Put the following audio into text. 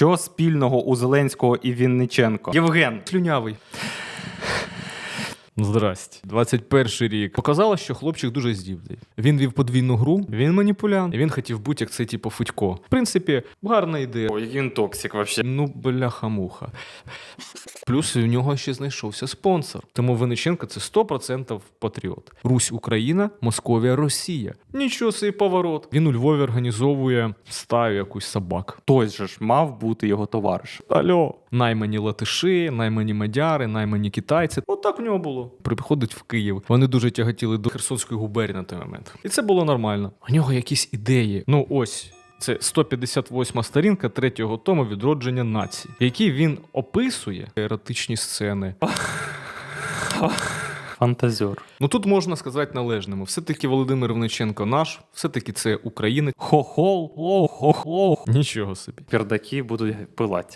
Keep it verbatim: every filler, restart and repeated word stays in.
Що спільного у Зеленського і Вінниченка? Євген. Слюнявий. Здрасте. двадцять перший рік. Показало, що хлопчик дуже здібний. Він вів подвійну гру, він маніпулянт, і він хотів бути як цей типу Федько. В принципі, гарна ідея. Ой, який він токсик вообще. Ну, бляха-муха. Плюс у нього ще знайшовся спонсор. Тому Винниченко – це сто відсотків патріот. Русь – Україна, Московія – Росія. Нічого собі поворот. Він у Львові організовує стаю якусь собак. Той же ж мав бути його товариш. Алло. Наймані латиші, наймані мадяри, наймані китайці. Отак в нього було. Приходить в Київ. Вони дуже тяготіли до Херсонської губернії на той момент. І це було нормально. У нього якісь ідеї. Ну ось. Це сто п'ятдесят восьма сторінка третього тому «Відродження нації», в якій він описує еротичні сцени. Фантазер. Ну тут можна сказати належному. Все-таки Володимир Винниченко наш, все-таки це українець. Хохол, о, хохол. Нічого собі. Пердаки будуть пилати.